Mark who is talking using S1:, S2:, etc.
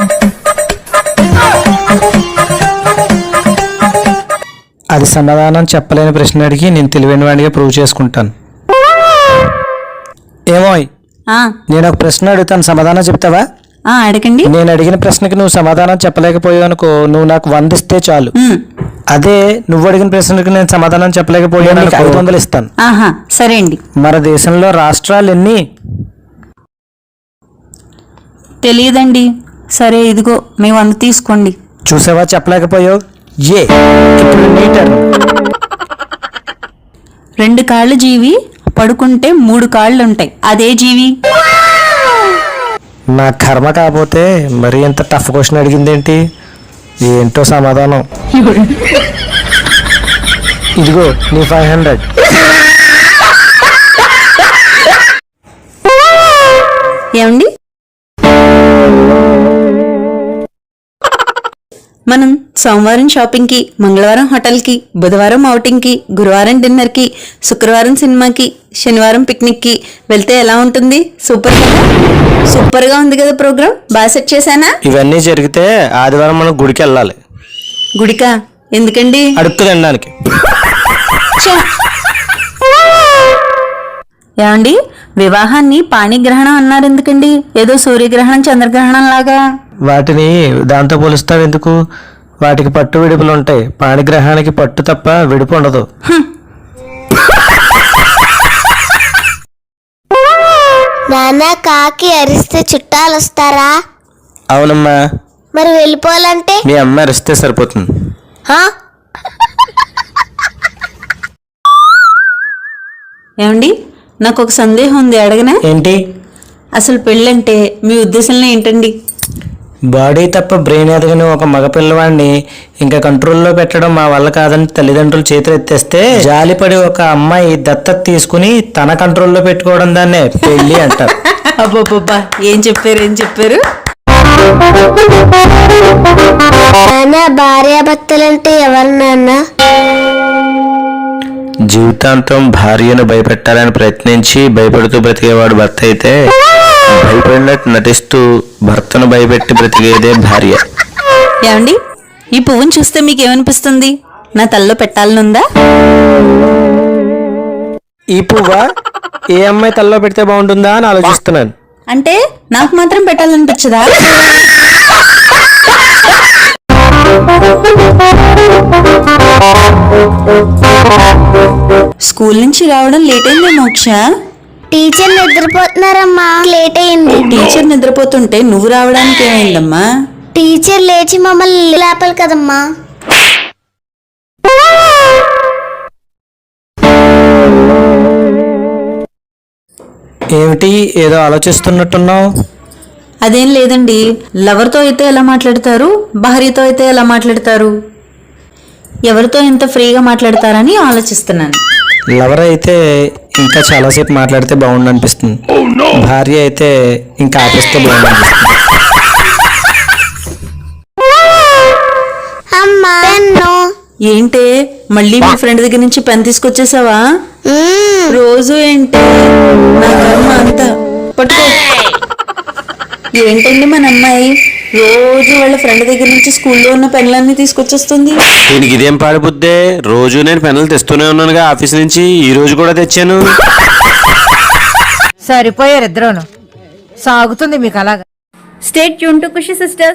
S1: అది సమాధానం చెప్పలేని ప్రశ్న అడిగి నేను తెలివైన వాడిగా ప్రూవ్ చేసుకుంటాను. ఏమో నేను ఒక ప్రశ్న అడుగుతాను, సమాధానం చెప్తావా?
S2: అడగండి.
S1: నేను అడిగిన ప్రశ్నకి నువ్వు సమాధానం చెప్పలేకపోయావు అనుకో, నువ్వు నాకు 100 ఇస్తే చాలు. అదే నువ్వు అడిగిన ప్రశ్నకి నేను సమాధానం చెప్పలేకపోయాను, 500 ఇస్తాను.
S2: సరే అండి.
S1: మన దేశంలో రాష్ట్రాలు ఎన్ని?
S2: తెలియదండి. సరే ఇదిగో మీ 100 తీసుకోండి.
S1: చూసావా, చెప్పలేకపోయావు. ఇప్పుడు నీ టర్న్.
S2: 2 కాళ్ళు జీవి, పడుకుంటే 3 కాళ్ళు ఉంటాయి, అదే జీవి?
S1: నా కర్మ కాకపోతే మరి ఎంత టఫ్ క్వశ్చన్ అడిగిందేంటి? ఏంటో సమాధానం. ఇదిగో నీ 500.
S2: ఏమండి, మనం సోమవారం షాపింగ్కి, మంగళవారం హోటల్కి, బుధవారం ఔటింగ్కి, గురువారం డిన్నర్కి, శుక్రవారం సినిమాకి, శనివారం పిక్నిక్కి వెళ్తే ఎలా ఉంటుంది? సూపర్గా ఉంది కదా ప్రోగ్రామ్. బాగా సెట్ చేశానా?
S1: ఇవన్నీ జరిగితే ఆదివారం మనం గుడికి వెళ్ళాలి.
S2: గుడికా? ఎందుకండి?
S1: అడుక్కు తినడానికి.
S2: ఏమండి, వివాహాన్ని పాణిగ్రహణం అన్నారు ఎందుకండి? ఏదో సూర్యగ్రహణం, చంద్రగ్రహణం లాగా.
S1: వాటిని దాంతో పోలుస్తావు ఎందుకు? వాటికి పట్టు విడుపులు ఉంటాయి, పాణిగ్రహానికి పట్టు తప్ప విడుపు ఉండదు.
S3: నాన్న, కాకి అరిస్తే చుట్టాలు వస్తారా?
S1: అవునమ్మా.
S3: మరి వెళ్ళిపోవాలంటే?
S1: మీ అమ్మ అరిస్తే సరిపోతుంది.
S2: ఏమండి, నాకు ఒక సందేహం ఉంది, అడగనా?
S1: ఏంటి?
S2: అసలు పెళ్ళంటే మీ ఉద్దేశంలో ఏంటండి?
S1: బాడీ తప్ప బ్రెయిన్ ఎదగని ఒక మగ పిల్లవాడిని ఇంకా కంట్రోల్లో పెట్టడం మా వల్ల కాదని తల్లిదండ్రులు చేతులు ఎత్తేస్తే జాలిపడి ఒక అమ్మాయి దత్తత తీసుకుని తన కంట్రోల్లో పెట్టుకోవడం దాన్నే పెళ్లి అంటారు.
S2: అబ్బబ్బబ్బా, ఏం చెప్పారు?
S3: నాన్న, భార్యాభర్తలంటే ఎవరు నాన్న?
S1: జీవితాంతం భార్యను భయపెట్టాలని ప్రయత్నించి భయపడుతూ బ్రతికేవాడు భర్త అయితే, భయపడినట్టు నటిస్తూ భర్తను భయపెట్టి బ్రతికేదే భార్య.
S2: ఏమండి, ఈ పువ్వును చూస్తే మీకు ఏమనిపిస్తుంది? నా తల్లో పెట్టాలనుందా?
S1: ఈ పువ్వా ఏ అమ్మాయి తల్లో పెడితే బాగుంటుందా అని ఆలోచిస్తున్నాను.
S2: అంటే నాకు మాత్రం పెట్టాలనిపించదా? స్కూల్ నుంచి రావడం లేట్ అయిందా మోక్ష?
S3: టీచర్ నిద్రపోతున్నారమ్మా, లేట్ అయింది.
S2: టీచర్ నిద్రపోతుంటే నువ్వు రావడానికి ఏమైందమ్మా?
S3: టీచర్ లేచి మమ్మల్ని లేపాలి కదమ్మా.
S1: ఏమిటి, ఏదో ఆలోచిస్తున్నట్టున్నావు?
S2: అదేం లేదండి. లవర్తో అయితే ఎలా మాట్లాడతారు, భార్యతో అయితే ఎలా మాట్లాడతారు, ఎవరితో ఎంత ఫ్రీగా మాట్లాడతారని ఆలోచిస్తున్నాను.
S1: లవర్ అయితే ఇంకా చాలాసేపు మాట్లాడితే బాగుండు అనిపిస్తుంది. భార్య అయితే ఇంకా ఆపేస్తే బాగుండు అనిపిస్తుంది.
S2: ఏంటే, మళ్ళీ మీ ఫ్రెండ్ దగ్గర నుంచి పెన్ తీసుకొచ్చేసావా? రోజు ఏంటి నా కర్మ అంతా. పట్టుకో. ఏంటండి మన అమ్మాయి రోజు వాళ్ళ ఫ్రెండ్ దగ్గర నుంచి స్కూల్లో ఉన్న పెన్లన్నీ తీసుకొచ్చేస్తుంది.
S1: దీనికి ఇదేం పాడిపోద్దే, రోజు నేను పెన్నులు తెస్తూనే ఉన్నానుగా ఆఫీస్ నుంచి, ఈ రోజు కూడా తెచ్చాను.
S4: సరిపోయారు ఇద్దరును, సాగుతుంది మీకు అలాగా.
S5: Stay tune to Khushi sisters.